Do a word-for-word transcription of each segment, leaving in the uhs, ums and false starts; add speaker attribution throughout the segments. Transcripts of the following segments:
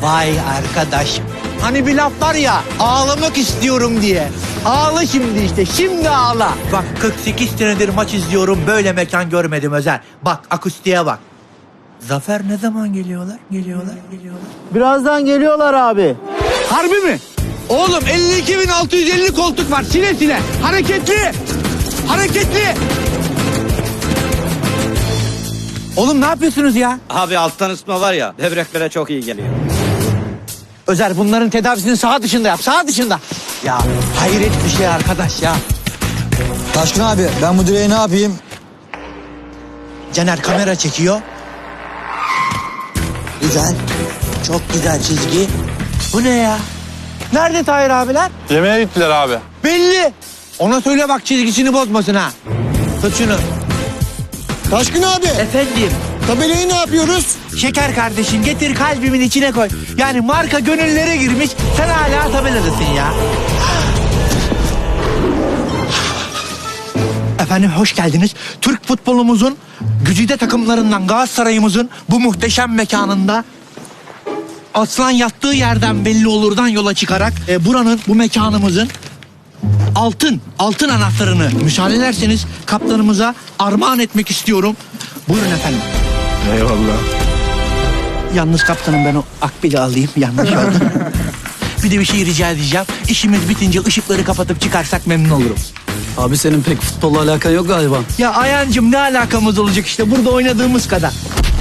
Speaker 1: Vay arkadaş. Hani bir laf var ya, ağlamak istiyorum diye. Ağla şimdi işte, şimdi ağla. Bak kırk sekiz senedir maç izliyorum, böyle mekan görmedim Özer. Bak akustiğe bak. Zafer ne zaman geliyorlar? Geliyorlar, geliyorlar.
Speaker 2: Birazdan geliyorlar abi.
Speaker 1: Harbi mi? Oğlum elli iki bin altı yüz elli koltuk var, sile sile. Hareketli, hareketli. Oğlum ne yapıyorsunuz ya?
Speaker 3: Abi alttan ısıtma var ya, böbreklere çok iyi geliyor.
Speaker 1: Özer bunların tedavisini sağ dışında yap, sağ dışında. Ya hayret bir şey arkadaş ya.
Speaker 2: Taşkın abi ben bu direği ne yapayım?
Speaker 1: Caner kamera çekiyor. Güzel, çok güzel çizgi. Bu ne ya? Nerede Tahir abiler?
Speaker 4: Yemeğe gittiler abi.
Speaker 1: Belli. Ona söyle bak çizgisini bozmasın ha. Tut şunu.
Speaker 2: Taşkın abi
Speaker 1: Efendim?
Speaker 2: tabelayı ne yapıyoruz?
Speaker 1: Şeker kardeşim getir kalbimin içine koy. Yani marka gönüllere girmiş, sen hala tabeladasın ya. Efendim hoş geldiniz. Türk futbolumuzun güzide takımlarından Galatasaray'ımızın bu muhteşem mekanında aslan yattığı yerden belli olurdan yola çıkarak e, buranın, bu mekanımızın altın, altın anahtarını müsaade ederseniz kaptanımıza armağan etmek istiyorum. Buyurun efendim.
Speaker 4: Eyvallah.
Speaker 1: Yalnız kaptanım ben o akbili alayım, yanlış oldu. Bir de bir şey rica edeceğim. İşimiz bitince ışıkları kapatıp çıkarsak memnun olurum.
Speaker 2: Abi senin pek futbolla alakan yok galiba.
Speaker 1: Ya Ayancığım ne alakamız olacak işte burada oynadığımız kadar.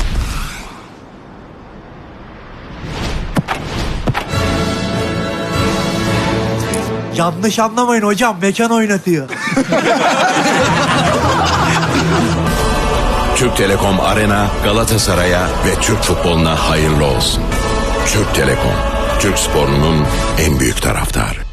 Speaker 1: Yanlış anlamayın hocam, mekan oynatıyor.
Speaker 5: Türk Telekom Arena Galatasaray'a ve Türk futboluna hayırlı olsun. Türk Telekom, Türk sporunun en büyük taraftarı.